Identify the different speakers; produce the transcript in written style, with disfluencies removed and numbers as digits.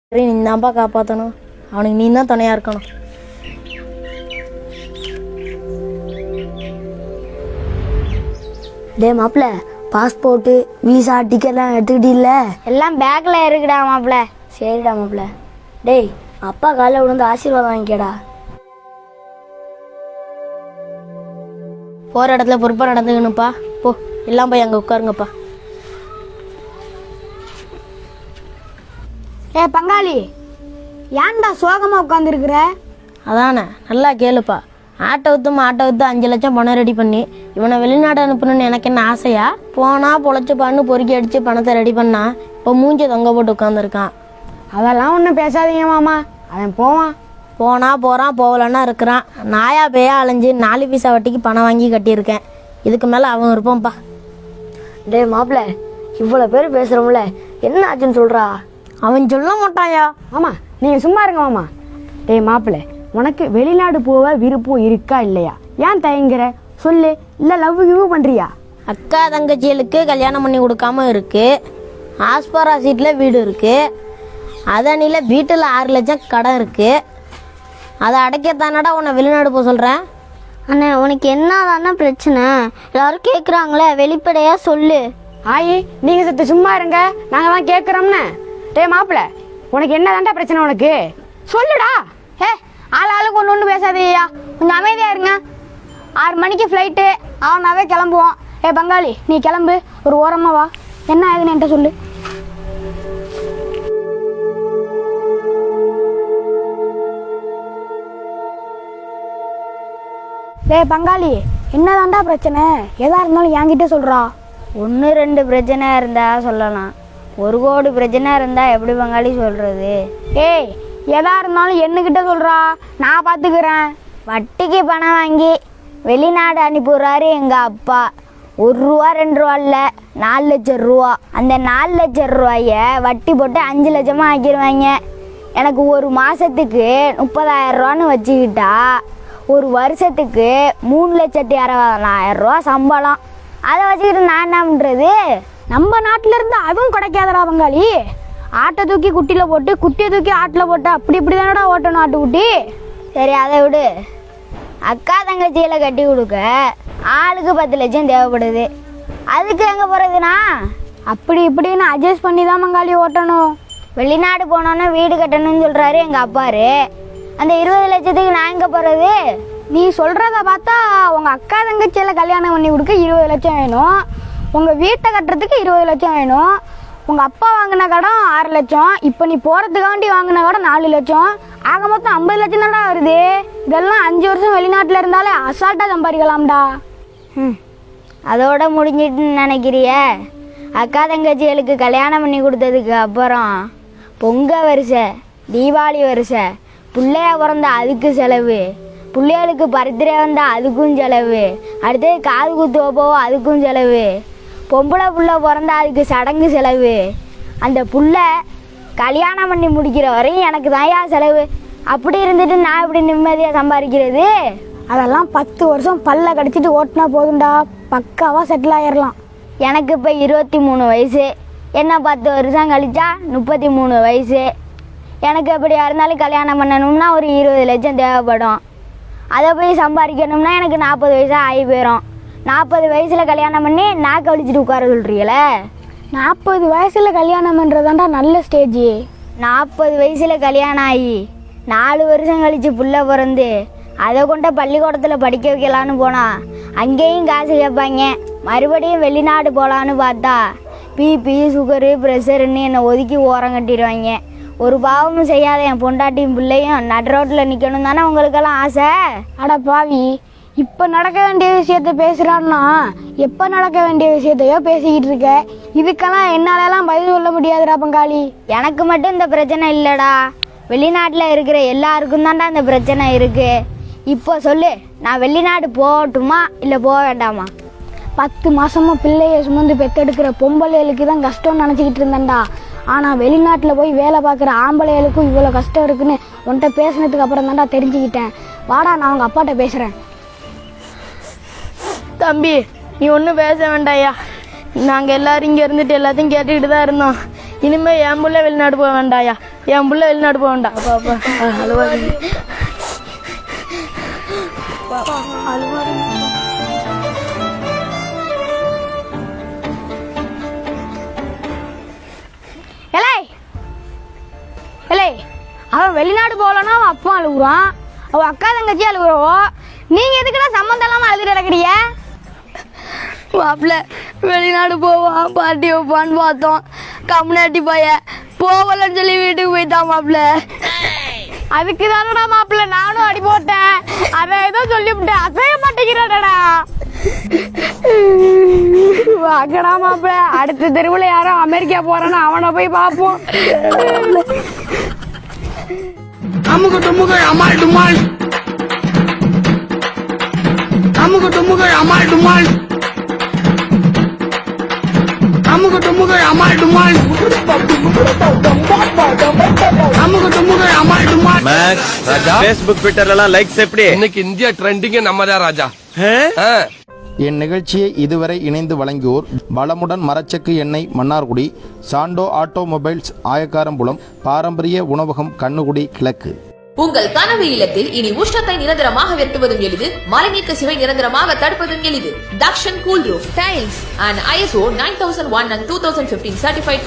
Speaker 1: நீ தான்ப்பா காப்பாற்றணும். அவனுக்கு நீ தான் துணையாக இருக்கணும்.
Speaker 2: டே மாப்பிள்ள, பாஸ்போர்ட்டு விசா டிக்கெட்லாம் எடுத்துக்கிட்டீல்ல?
Speaker 3: எல்லாம் பேக்கில் இருக்குடா மாப்பிள்ள.
Speaker 2: சரிடா மாப்பிள்ள. டேய் அப்பா காலைல விழுந்து ஆசீர்வாதம் வாங்கிக்கடா.
Speaker 1: போகிற இடத்துல பொறுப்பாக நடந்துக்கணும்ப்பா. போ, எல்லாம் போய் அங்கே உட்காருங்கப்பா.
Speaker 3: ஏ பங்காளி, ஏன்டா சோகமாக உட்காந்துருக்குற?
Speaker 1: அதானே, நல்லா கேளுப்பா. ஆட்டோ விற்று 5 லட்சம் பணம் ரெடி பண்ணி இவனை வெளிநாடு அனுப்பணும்னு எனக்கு என்ன ஆசையா? போனால் பொழைச்சிப்பான்னு பொறுக்கி அடித்து பணத்தை ரெடி பண்ணா இப்போ மூஞ்சி தொங்க போட்டு உட்காந்துருக்கான்.
Speaker 3: அதெல்லாம் ஒன்றும் பேசாதீங்க மாமா, அவன் போவான்.
Speaker 1: போனால் போகிறான், போகலன்னா இருக்கிறான். நாயா பேயா அலைஞ்சு 4 பைசா வட்டிக்கு பணம் வாங்கி கட்டியிருக்கேன். இதுக்கு மேலே அவன் இருப்பான்ப்பா.
Speaker 2: டே மாப்பிள்ள, இவ்வளோ பேர் பேசுகிறோம்ல, என்ன ஆச்சுன்னு சொல்கிறா?
Speaker 1: அவன் சொல்ல மாட்டாயா?
Speaker 3: ஆமாம், நீங்கள் சும்மா இருங்க மாமா. டேய் மாப்பிள்ள, உனக்கு வெளிநாடு போக விருப்பம் இருக்கா இல்லையா? ஏன் தயங்குற சொல்லு. இல்லை லவ் கிவ் பண்ணுறியா?
Speaker 1: அக்கா தங்கச்சிகளுக்கு கல்யாணம் பண்ணி கொடுக்காம இருக்கு. ஆஸ்பரா சீட்டில் வீடு இருக்கு. அதனில வீட்டில் 6 லட்சம் கடன் இருக்கு. அதை அடைக்கத்தானடா உன்னை வெளிநாடு போக சொல்கிறேன்.
Speaker 3: அண்ணா, உனக்கு என்ன பிரச்சனை? எல்லாரும் கேட்குறாங்களே, வெளிப்படையாக சொல்லு. ஆயி, நீங்கள் சத்து சும்மா இருங்க, நாங்கள் தான் கேட்குறோம்னு. டேய் மாப்பிள்ள, உனக்கு என்ன பிரச்சனை? உனக்கு சொல்லுடா. ஆளுக்கு ஒன்று பேசாதீயா, கொஞ்சம் அமைதியாக இருங்க. 6 மணிக்கு ஃப்ளைட்டு, அவனாவே கிளம்புவான். பங்காளி, நீ கிளம்பு, ஒரு ஓரமாக வா. என்ன ஆகுதுன்னு என்கிட்ட சொல்லு. பங்காளி, என்னதான்டா பிரச்சனை? எதா இருந்தாலும் என்கிட்ட சொல்றா.
Speaker 2: 1-2 பிரச்சனை இருந்தா சொல்லலாம், 1 கோடி பிரச்சனை இருந்தா எப்படி பங்காளி சொல்றது?
Speaker 3: ஏய், எதா இருந்தாலும் என்னகிட்ட சொல்றா, நான் பார்த்துக்கிறேன்.
Speaker 2: வட்டிக்கு பணம் வாங்கி வெளிநாடு அனுப்பிடுறாரு எங்க அப்பா. 1 ரூபா 2 ரூபா இல்லை, 4 லட்சம் ரூபா. அந்த 4 லட்சம் ரூபாய வட்டி போட்டு 5 லட்சமா ஆக்கிடுவாங்க. எனக்கு ஒரு மாசத்துக்கு 30,000 ரூபான்னு வச்சுக்கிட்டா ஒரு வருஷத்துக்கு 3,60,000 ரூபா சம்பளம். அதை வச்சுக்கிட்டு நான் என்ன பண்ணுறது?
Speaker 3: நம்ம நாட்டில இருந்து அதுவும் கிடைக்காதடா பங்காளி. ஆட்டை தூக்கி குட்டியில் போட்டு, குட்டியை தூக்கி ஆட்டில் போட்டு, இப்படி தானடா ஓட்டணும் ஆட்டுக்குட்டி.
Speaker 2: சரி அதை விடு. அக்கா தங்கச்சியில கட்டி கொடுக்க ஆளுக்கு 10 லட்சம் தேவைப்படுது. அதுக்கு எங்கே போகிறதுனா?
Speaker 3: அப்படி இப்படின்னு அட்ஜஸ்ட் பண்ணி தான் பங்காளி ஓட்டணும்.
Speaker 2: வெளிநாடு போனோன்னே வீடு கட்டணும்னு சொல்கிறாரு எங்கள் அப்பாரு. அந்த 20 லட்சத்துக்கு நான் எங்கே போகிறது?
Speaker 3: நீ சொல்கிறத பார்த்தா உங்கள் அக்கா தங்கச்சியில் கல்யாணம் பண்ணி கொடுக்க 20 லட்சம் வேணும், உங்கள் வீட்டை கட்டுறதுக்கு 20 லட்சம் வேணும், உங்கள் அப்பா வாங்கின கடன் 6 லட்சம், இப்போ நீ போகிறதுக்காண்டி வாங்கின கடன் 4 லட்சம், ஆக மொத்தம் 50 லட்சம் தான்டா வருது. இதெல்லாம் 5 வருஷம் வெளிநாட்டில் இருந்தாலே அசால்ட்டாக சம்பாதிக்கலாம்டா.
Speaker 2: அதோட முடிஞ்சிட்டுன்னு நினைக்கிறிய? அக்கா தங்கச்சிகளுக்கு கல்யாணம் பண்ணி கொடுத்ததுக்கு அப்புறம் பொங்கல் வருஷை, தீபாவளி வருஷை, பிள்ளையா பிறந்தா அதுக்கு செலவு, பிள்ளைகளுக்கு பர்த்டே வந்தால் அதுக்கும் செலவு, அடுத்தது காது குத்து வைப்போவோ அதுக்கும் செலவு, பொம்பளை புள்ள பிறந்தா அதுக்கு சடங்கு செலவு. அந்த புள்ள கல்யாணம் பண்ணி முடிக்கிற வரையும் எனக்கு தான்யா செலவு. அப்படி இருந்துட்டு நான் இப்படி நிம்மதியாக சம்பாதிக்கிறது?
Speaker 3: அதெல்லாம் 10 வருஷம் பல்ல கடிச்சிட்டு ஓட்டினா போதும்டா, பக்காவாக செட்டில் ஆயிடலாம்.
Speaker 2: எனக்கு இப்போ 23 வயசு. என்ன 10 வருஷம் கழிச்சா 33 வயசு. எனக்கு எப்படியா இருந்தாலும் கல்யாணம் பண்ணணும்னா ஒரு 20 லட்சம் தேவைப்படும். அதை போய் சம்பாதிக்கணும்னா எனக்கு 40 வயசாக ஆகி போயிடும். 40 வயசில் கல்யாணம் பண்ணி நாக்க வலிச்சிட்டு உட்கார சொல்கிறீங்களே.
Speaker 3: 40 வயசில் கல்யாணம் பண்ணுறதாண்டா நல்ல ஸ்டேஜ்.
Speaker 2: 40 வயசில் கல்யாணம் ஆகி 4 வருஷம் கழித்து புள்ள பிறந்து அதை கொண்ட பள்ளிக்கூடத்தில் படிக்க வைக்கலான்னு போனால் அங்கேயும் காசு கேட்பாங்க. மறுபடியும் வெளிநாடு போகலான்னு பார்த்தா பிபி சுகரு ப்ரெஷருன்னு என்னை ஒதுக்கி ஓரம் கட்டிடுவாங்க. ஒரு பாவமும் செய்யாத என் பொண்டாட்டியும் பிள்ளையும் நடு ரோட்டில் நிற்கணும் தானே உங்களுக்கெல்லாம் ஆசை?
Speaker 3: அட பாவி, இப்போ நடக்க வேண்டிய விஷயத்த பேசுகிறான்னா எப்போ நடக்க வேண்டிய விஷயத்தையோ பேசிக்கிட்டு இருக்க. இதுக்கெல்லாம் என்னாலலாம் பதில் சொல்ல முடியாதுடா பங்காளி.
Speaker 2: எனக்கு மட்டும் இந்த பிரச்சனை இல்லைடா, வெளிநாட்டில் இருக்கிற எல்லாருக்கும் தான்டா இந்த பிரச்சனை இருக்குது. இப்போ சொல்லு, நான் வெளிநாடு போகட்டுமா இல்லை போக வேண்டாமா?
Speaker 3: 10 மாசமா பிள்ளைய சுமந்து பெற்றெடுக்கிற பொம்பளைகளுக்கு தான் கஷ்டம்னு நினச்சிக்கிட்டு இருந்தேன்டா. ஆனால் வெளிநாட்டில் போய் வேலை பார்க்குற ஆம்பளைகளுக்கும் இவ்வளோ கஷ்டம் இருக்குன்னு உன்கிட்ட பேசினதுக்கு அப்புறம் தான்டா தெரிஞ்சுக்கிட்டேன். வாடா, நான் அவங்க அப்பாட்ட பேசுகிறேன்.
Speaker 1: தம்பி, நீ ஒன்றும் பேச வேண்டாயா. நாங்கள் எல்லோரும் இங்கே இருந்துட்டு எல்லாத்தையும் கேட்டுக்கிட்டு தான் இருந்தோம். இனிமே என் புள்ள வெளிநாடு போக வேண்டாயா, என் புள்ள வெளிநாடு போக வேண்டாம். அப்பா அப்பா அழுவாதீங்க.
Speaker 2: எலே எலே அவன் வெளிநாடு போகலன்னா அவன் அப்பா அழுகுறான், அவன் அக்கா தங்கச்சி அழுகுறவோ, நீங்க எதுக்குடா சம்மந்தம் இல்லாம அழுதுட்டு கிடக்குறீங்க?
Speaker 1: மாப்பிள்ள வெளிநாடு போவான் பாட்டி வைப்பான்னு பார்த்தோம், கம்யூனிட்டி பையன் போகலன்னு சொல்லி வீட்டுக்கு போயிட்டான் மாப்பிள்ள.
Speaker 2: அதுக்கு தானடா மாப்பிள்ள நானும் அடி போட்டேன், அதை ஏதோ சொல்லிவிட்டேன், அசைய மாட்டேங்கிறாடா. வாங்கடா மாப்பிள்ள, அடுத்த தெருவுல யாரோ அமெரிக்கா போறான்னு அவனை போய் பார்ப்போம்.
Speaker 4: அமுக டுமுக அமால் டுமால், அமுக டுமுக அமால் டுமால், அமுக டுமுக அமால் டுமால், அமுக டுமுக அமால் டுமால்.
Speaker 5: மேக்ஸ் ராஜா ஃபேஸ்புக் ட்விட்டர்ல எல்லாம் லைக்ஸ் எப்படி?
Speaker 6: இன்னைக்கு இந்தியா ட்ரெண்டிங்கே நம்ம தான் ராஜா. ஆ.
Speaker 7: என் நிகழ்ச்சியை இதுவரை இணைந்து வழங்கியோர் வளமுடன் மரச்செக்கு எண்ணெய் மன்னார்குடி, சாண்டோ ஆட்டோமொபைல்ஸ் ஆயக்காரம்புலம், பாரம்பரிய உணவகம் கண்ணுகுடி கிழக்கு.
Speaker 8: உங்கள் கனவு இல்லத்தில் இனி உஷ்ணத்தை நிரந்தரமாக வெட்டுவதும் எளிது, மழைநீக்க சுவை நிரந்தரமாக தடுப்பதும் எளிது. Dakshan cool roof tiles and ISO 9001 and 2015 certified